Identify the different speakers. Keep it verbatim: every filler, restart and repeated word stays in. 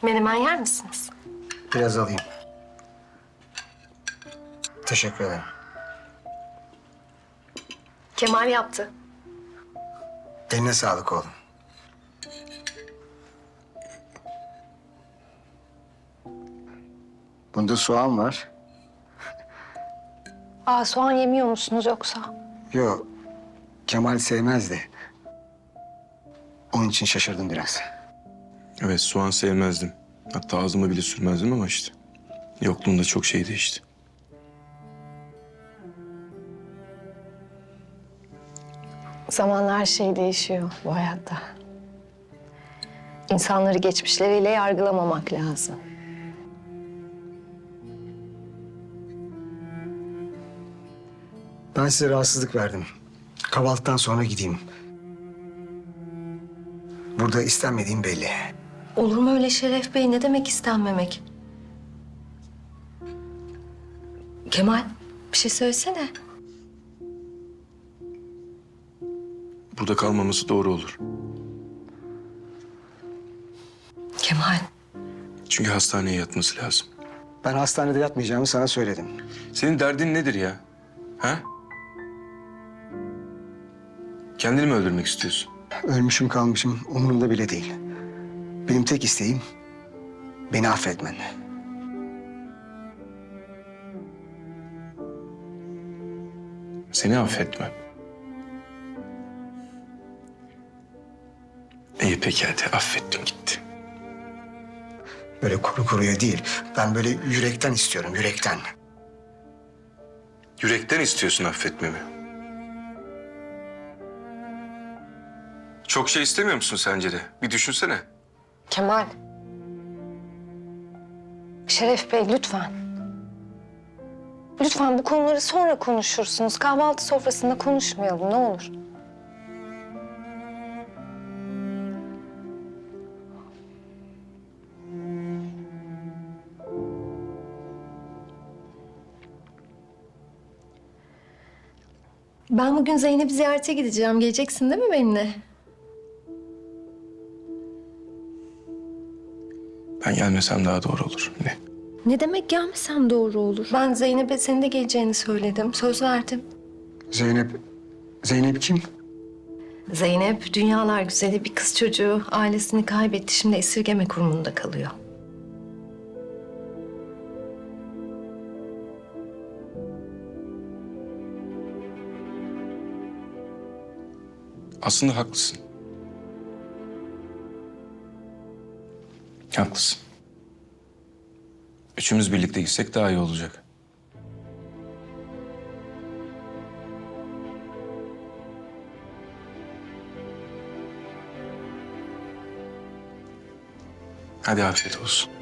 Speaker 1: Menemen yer misiniz?
Speaker 2: Biraz alayım. Teşekkür ederim.
Speaker 1: Kemal yaptı.
Speaker 2: Eline sağlık oğlum. Bunda soğan var.
Speaker 1: Aa, soğan yemiyor musunuz yoksa?
Speaker 2: Yok, Kemal sevmezdi. Onun için şaşırdım biraz.
Speaker 3: Evet, soğan sevmezdim. Hatta ağzıma bile sürmezdim ama işte. Yokluğunda çok şey değişti.
Speaker 1: Zamanla her şey değişiyor bu hayatta. İnsanları geçmişleriyle yargılamamak lazım.
Speaker 2: Ben size rahatsızlık verdim. Kahvaltıdan sonra gideyim. Burada istenmediğim belli.
Speaker 1: Olur mu öyle Şeref Bey? Ne demek istenmemek? Kemal, bir şey söylesene.
Speaker 3: Burada kalmaması doğru olur.
Speaker 1: Kemal,
Speaker 3: Çünkü hastaneye yatması lazım.
Speaker 2: Ben hastanede yatmayacağımı sana söyledim.
Speaker 3: Senin derdin nedir ya? Ha? Kendini mi öldürmek istiyorsun?
Speaker 2: Ölmüşüm kalmışım umurumda bile değil. Benim tek isteğim beni affetmen.
Speaker 3: Seni affetmem. İyi peki hadi affettim gitti.
Speaker 2: Böyle kuru kuruya değil. Ben böyle yürekten istiyorum, yürekten.
Speaker 3: Yürekten istiyorsun affetmemi. Çok şey istemiyor musun sence de? Bir düşünsene.
Speaker 1: Kemal. Şeref Bey lütfen. Lütfen bu konuları sonra konuşursunuz. Kahvaltı sofrasında konuşmayalım ne olur. Ben bugün Zeynep'i ziyarete gideceğim. Geleceksin değil mi benimle?
Speaker 3: Ben gelmesem daha doğru olur. Ne?
Speaker 1: Ne demek gelmesem doğru olur. Ben Zeynep'e senin de geleceğini söyledim. Söz verdim.
Speaker 2: Zeynep, Zeynep kim?
Speaker 1: Zeynep dünyalar güzeli bir kız çocuğu. Ailesini kaybetti. Şimdi esirgeme kurumunda kalıyor.
Speaker 3: Aslında haklısın. Haklısın. Üçümüz birlikte gitsek daha iyi olacak. Hadi afiyet olsun.